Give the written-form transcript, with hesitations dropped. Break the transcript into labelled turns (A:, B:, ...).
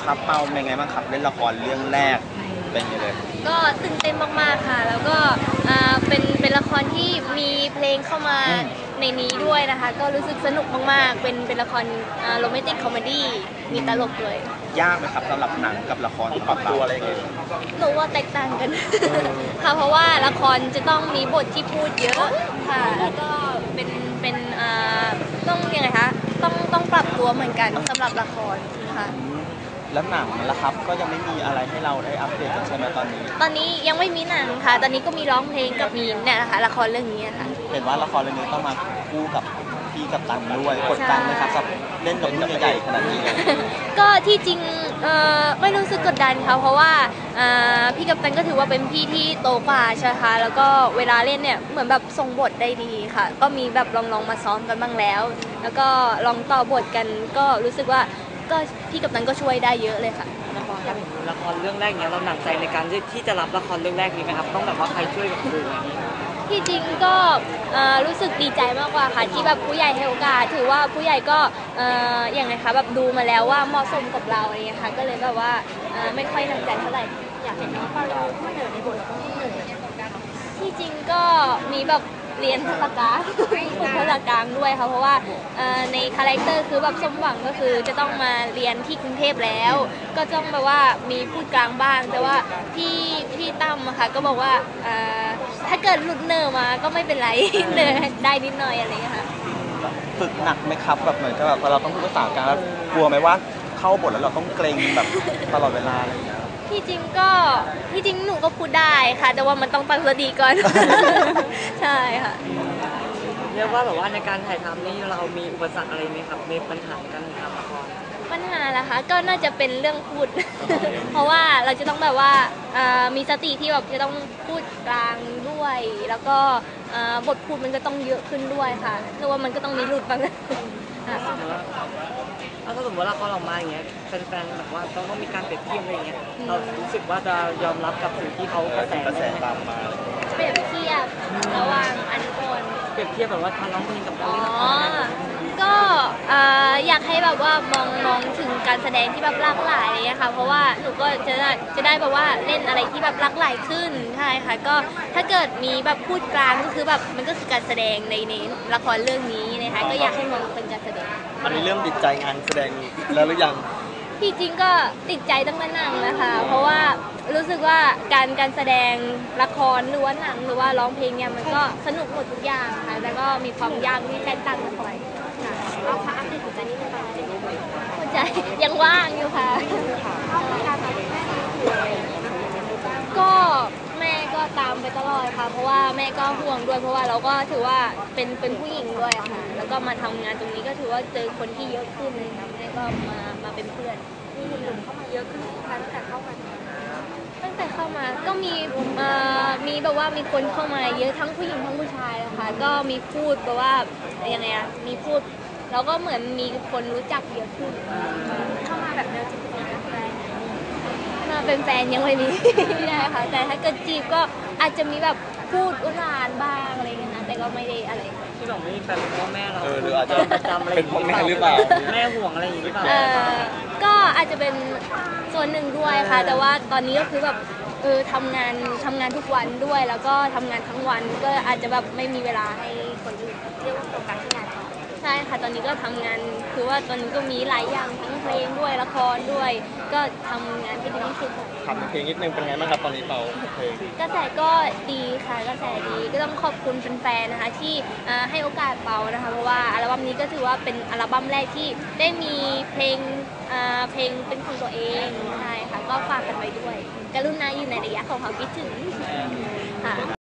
A: ครับเปาเป็นไงบ้างครับเล่นละครเรื่องแรกเป็นไงเลย
B: ก็ตื่นเต้นมากๆค่ะแล้วก็เป็นละครที่มีเพลงเข้ามาในนี้ด้วยนะคะก็รู้สึกสนุกมากๆเป็นละครโรแมนติกคอมเมดี้มีตลกเลย
A: ยากไหมครับสำหรับหนังกับละครปรับตัวอะไรอย่างเงี้ย
B: หนูว่าแตกต่างกันค่ะเพราะว่าละครจะต้องมีบทที่พูดเยอะค่ะแล้วก็เป็นต้องยังไงคะต้องปรับตัวเหมือนกันสำหรับละครค่ะ
A: แล้วหนังล่ะครับก็ยังไม่มีอะไรให้เราได้อัปเดตกันใช่ไหมตอนนี้
B: ยังไม่มีหนังค่ะตอนนี้ก็มีร้องเพลงกับมีเนี่ยนะคะละครเรื่องนี้ค่ะ
A: เห็นว่าละครเรื่องนี้ต้องมาคู่กับพี่กับตันด้วยกดดันไหมครับกับเล่นกับรุ่นใหญ่ๆขนาดนี้
B: ก็ที่จริงไม่รู้สึกกดดันค่ะเพราะว่าพี่กัปตันก็ถือว่าเป็นพี่ที่โตกว่าใช่ค่ะแล้วก็เวลาเล่นเนี่ยเหมือนแบบทรงบทได้ดีค่ะก็มีแบบลองมาซ้อมกันบ้างแล้วแล้วก็ลองต่อบทกันก็รู้สึกว่าก็พี่กัปตันก็ช่วยได้เยอะเลยค่ะ
C: ละครเรื่องแรกเนี้ยเราหนักใจในการที่จะรับละครเรื่องแรกนี้ไหมครับต้องแบบว่าใครช่วยกับครูอย่างนี้
B: ที่จริงก็รู้สึกดีใจมากกว่าค่ะที่แบบผู้ใหญ่ให้โอกาสถือว่าผู้ใหญ่ก็อย่างไรคะแบบดูมาแล้วว่าเหมาะสมกับเราอะไรเงี้ยค่ะก็เลยแบบว่าไม่ค่อยหนักใจเท่าไหร่อยากเห็นน้องปาลูมาเหนือในบทที่จริงก็มีแบบเรียนภาษากลางฝึกภาษากลางด้วยค่ะเพราะว่าในคาแรคเตอร์คือแบบสมหวังก็คือจะต้องมาเรียนที่กรุงเทพแล้วก็ต้องแบบว่ามีพูดกลางบ้างแต่ว่าพี่ตั้มอะค่ะก็บอกว่าถ้าเกิดหลุดเนอร์มาก็ไม่เป็นไรเนอร์ได้นิดหน่อยอะไรอย่างเงี้ยค่ะ
A: ฝึกหนักไหมครับแบบเหมือนกับแบบเราต้องพูดภาษากลางแล้วกลัวไหมว่าเข้าบทแล้วเราต้องเกรงแบบตลอดเวลาอะไรอย่างเงี้ย
B: ที่จริงหนูก็พูดได้ค่ะแต่ว่ามันต้องตั้งสติก่อนใช่ค่ะ
C: เรียกว่าแบบว่าในการถ่ายทำนี่เรามีอุปสรรคอะไรไหมครับมีปัญหาในการถ่ายทำละคร
B: ปัญหาล่ะคะก็น่าจะเป็นเรื่องพูด เพราะว่าเราจะต้องแบบว่ามีสติที่แบบจะต้องพูดกลางด้วยแล้วก็บทพูดมันก็ต้องเยอะขึ้นด้วยค่ะเพราะว่ามันก็ต้องมีหลุดบ้าง
C: ถ้าสมมติว่าละครออกมาอย่างเงี้ยแฟนๆแบบว่าต้องมีการเปรียบเทียบอะไรอย่างเงี้ยเรารู้สึกว่าจะยอมรับกับสิ่งที่เขากระแส
A: ตามมา
B: เปรียบเทียบระหว่างอันโกน
C: เปรียบเทียบแบบว่าการร้องเพลงกับการเล่นละคร
B: ก็อยากให้แบบว่ามองถึงการแสดงที่แบบหลากหลายอะไรเงี้ยค่ะเพราะว่าหนูก็จะได้แบบว่าเล่นอะไรที่แบบหลากหลายขึ้นใช่ค่ะก็ถ้าเกิดมีแบบพูดกลางก็คือแบบมันก็คือการแสดงในละครเรื่องนี้นะคะก็อยากให้มองเป็นการแสดง
A: อันนี้เริ่มติดใจงานแสดงแล้วหรือยัง
B: ที่จริงก็ติดใจตั้งแต่หนังนะคะเพราะว่ารู้สึกว่าการแสดงละครหรือว่าหนังหรือว่าร้องเพลงเนี่ยมันก็สนุกหมดทุกอย่างค่ะแล้วก็มีความยากที่แตกต่างกันไปค่ะเราคะอัปเดตหัวใจนิดนึงค่ะหัวใจยังว่างอยู่ค่ะก็แม่ก็ตามไปตลอดค่ะเพราะว่าแม่ก็ห่วงด้วยเพราะว่าเราก็ถือว่าเป็นผู้หญิงด้วยค่ะแล้วก็มาทำงานตรงนี้ก็ถือว่าเจอคนที่เยอะขึ้นแม่ก็มาเป็นเพื่อนมีหนุ่มเข้ามาเยอะขึ้นตั้งแต่เข้ามาก็มีแบบว่ามีคนเข้ามาเยอะทั้งผู้หญิงทั้งผู้ชายนะคะก็มีพูดแบบว่ายังไงอะมีพูดแล้วก็เหมือนมีคนรู้จักเยอะขึ้นเข้ามาแบบเดิมมาเป็นแฟนยังไม่มีนะคะแต่ถ้าเกิดจีบก็อาจจะมีแบบพูดอุทานบ้างอะไรเงี้ยนะแต่ก็ไม่ได้อะไร
C: ที่บอกไม่มีแฟนเพราะแม่เรา
A: หรืออาจจะ
C: ประจำอะไร
A: เป็นเพราะแม่หรือเปล่า
C: แม่ห่วงอะไรอย่างนี้หรือเปล่า
B: ก็อาจจะเป็นส่วนหนึ่งด้วยค่ะแต่ว่าตอนนี้ก็คือแบบทำงานทุกวันด้วยแล้วก็ทำงานทั้งวันก็อาจจะแบบไม่มีเวลาให้คนอื่นเรียกว่าโฟกัสที่งานใช่ค่ะตอนนี้ก็ทำงานคือว่าตอนนี้ก็มีหลายอย่างทั้งเพลงด้วยละครด้วยก็ทำงานที่ดีที่สุด
A: ทำเพลงนิดนึงเป็นไงบ้างครับตอนนี้เปาเพลง
B: กระแสก็ดีค่ะกระแสดีก็ต้องขอบคุณแฟนๆนะคะที่ให้โอกาสเปานะคะเพราะว่าอัลบั้มนี้ก็ถือว่าเป็นอัลบั้มแรกที่ได้มีเพลงเป็นของตัวเองใช่ค่ะก็ฝากกันไว้ด้วยกรุณาอยู่ในระยะของความคิดถึงค่ะ